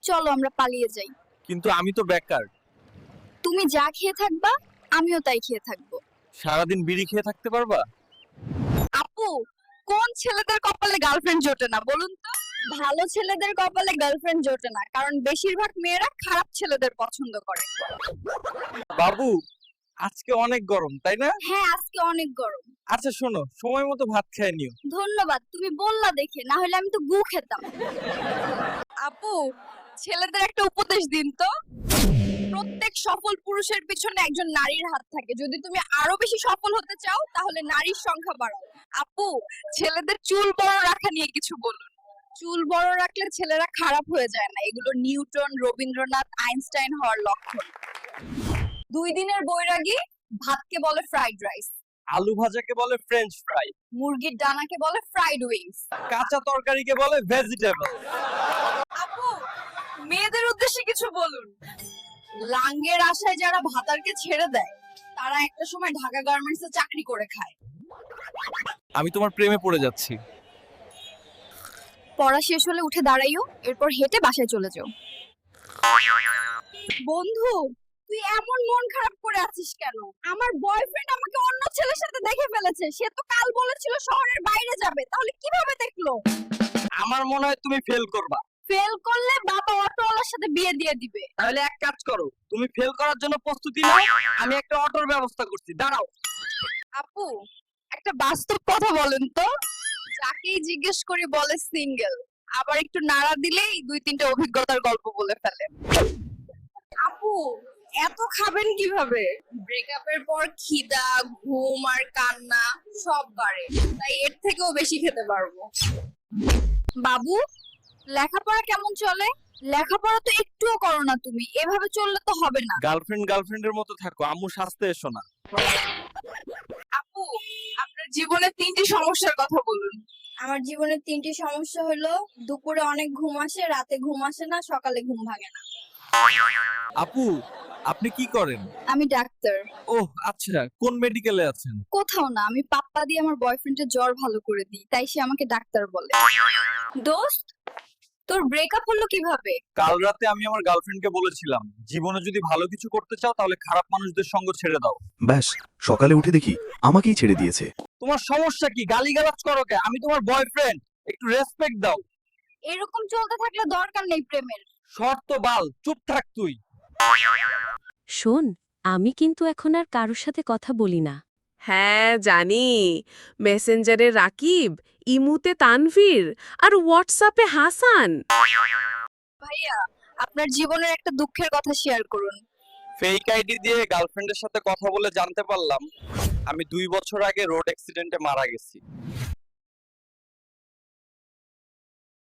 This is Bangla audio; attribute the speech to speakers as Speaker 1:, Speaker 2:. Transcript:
Speaker 1: চলো আমরা পালিয়ে যাই।
Speaker 2: কিন্তু আমি তো বেকার।
Speaker 1: তুমি যা খেয়ে থাকবা আমিও তাই খেয়ে থাকবো।
Speaker 2: সারাদিন বিড়ি খেয়ে থাকতে পারবা?
Speaker 1: আপু, কোন ছেলেদের কপালে গার্লফ্রেন্ড জোটে না বলুন তো? ভালো ছেলেদের কপালে গার্লফ্রেন্ড জোটে না, কারণ বেশিরভাগ মেয়েরা খারাপ ছেলেদের পছন্দ করে।
Speaker 2: বাবু, আজকে অনেক গরম তাই না?
Speaker 1: হ্যাঁ, আজকে অনেক গরম।
Speaker 2: আচ্ছা শোনো, সময় মতো ভাত খেয়ে নিও।
Speaker 1: ধন্যবাদ, তুমি বললা দেখে, না হলে আমি তো গু খেতাম। আপু, ছেলেদের একটা উপদেশ দিন তো। প্রত্যেক সফল পুরুষের পিছনে একজন নারীর হাত থাকে। যদি তুমি আরো বেশি সফল হতে চাও তাহলে নারীর সংখ্যা বাড়াও। আপু, ছেলেদের চুল বড় রাখা নিয়ে কিছু বলুন। চুল বড় রাখলে ছেলেরা খারাপ হয়ে যায় না, এগুলো নিউটন, রবীন্দ্রনাথ, আইনস্টাইন হওয়ার লক্ষণ। 2 দিনের বৈরাগী ভাতকে বলে ফ্রাইড রাইস,
Speaker 2: আলু ভাজাকে বলে ফ্রেঞ্চ ফ্রাই,
Speaker 1: মুরগির ডানাকে বলে ফ্রাইড উইংস।
Speaker 2: কাঁচা তরকারিকে বলে ভেজিটেবল।
Speaker 1: আপু, মেয়েদের উদ্দেশ্যে কিছু বলুন। লাঙ্গের আশায় যারা ভাতারকে ছেড়ে দেয় তারা একটা সময় ঢাকা গার্মেন্টসে চাকরি করে খায়।
Speaker 2: আমি তোমার প্রেমে পড়ে যাচ্ছি।
Speaker 1: পড়া শেষ হলে উঠে দাঁড়াইও, এরপর হেঁটে বাসায় চলে যাও। বন্ধু, তুই এমন মন খারাপ করে আছিস কেন? আমার বয়ফ্রেন্ড আমাকে অন্য ছেলের সাথে দেখে ফেলেছে। সে তো কাল বলেছিল শহরের বাইরে যাবে, তাহলে কিভাবে দেখলো?
Speaker 2: আমার মনে হয় তুমি ফেল করবা।
Speaker 1: ফেল করলে বাবা অটোওয়ালার সাথে বিয়ে দিয়ে দিবে।
Speaker 2: তাহলে এক কাজ করো, তুমি ফেল করার জন্য প্রস্তুতি নাও, আমি একটা অটোর ব্যবস্থা করছি, দাঁড়াও।
Speaker 1: আপু, একটা বাস্তব কথা বলেন তো। যাকেই জিজ্ঞেস করি বলে সিঙ্গেল, আবার একটু নাড়া দিলেই 2-3টা অভিজ্ঞতার গল্প বলে ফেলে। আপু, এত খাবেন কিভাবে? ব্রেকআপের পর খিদা, ঘুম আর কান্না সব বাড়ে, তাই এর থেকেও বেশি খেতে পারবো। বাবু, লেখাপড়া কেমন চলে? লেখাপড়া তো একটুও করো না তুমি, এভাবে চললে তো হবে না।
Speaker 2: গার্লফ্রেন্ডের মতো থাকো, আম্মু শাস্তে এসো না।
Speaker 1: আপু, আপনার জীবনে 3টি সমস্যার কথা বলুন। আমার জীবনে 3টি সমস্যা হলো দুপুরে অনেক ঘুম আসে, রাতে ঘুম আসে না, সকালে ঘুম ভাঙে না।
Speaker 2: আপু, আপনি কি করেন?
Speaker 1: আমি ডাক্তার।
Speaker 2: ওহ আচ্ছা, কোন মেডিকেলে আছেন?
Speaker 1: কোথাও না, আমি পাপ্পা দিয়ে আমার বয়ফ্রেন্ডের জ্বর ভালো করে দিই, তাই সে আমাকে ডাক্তার বলে। দোস্ত, তোর ব্রেকআপ হলো কিভাবে?
Speaker 2: কাল রাতে আমি আমার গার্লফ্রেন্ডকে বলেছিলাম, জীবনে যদি ভালো কিছু করতে চাও তাহলে খারাপ মানুষদের সঙ্গ ছেড়ে দাও।
Speaker 3: ব্যাস, সকালে উঠে দেখি আমাকেই ছেড়ে দিয়েছে।
Speaker 2: তোমার সমস্যা কি? গালিগালাজ করো কে? আমি তোমার বয়ফ্রেন্ড, একটু রেসপেক্ট দাও।
Speaker 1: এরকম চলতে থাকলে দরকার নেই প্রেমের।
Speaker 2: শর্ত বাল, চুপ থাক তুই।
Speaker 4: শোন, আমি কিন্তু এখন আর কারোর সাথে কথা বলি না।
Speaker 5: হ্যাঁ জানি, মেসেঞ্জারে রাকিব, ইমুতে তানভীর আর হোয়াটসঅ্যাপে হাসান।
Speaker 1: ভাইয়া, আপনার জীবনের একটা দুঃখের কথা শেয়ার করুন।
Speaker 2: ফেক আইডি দিয়ে গার্লফ্রেন্ডের সাথে কথা বলে জানতে পারলাম আমি 2 বছর আগে রোড অ্যাক্সিডেন্টে মারা গেছি।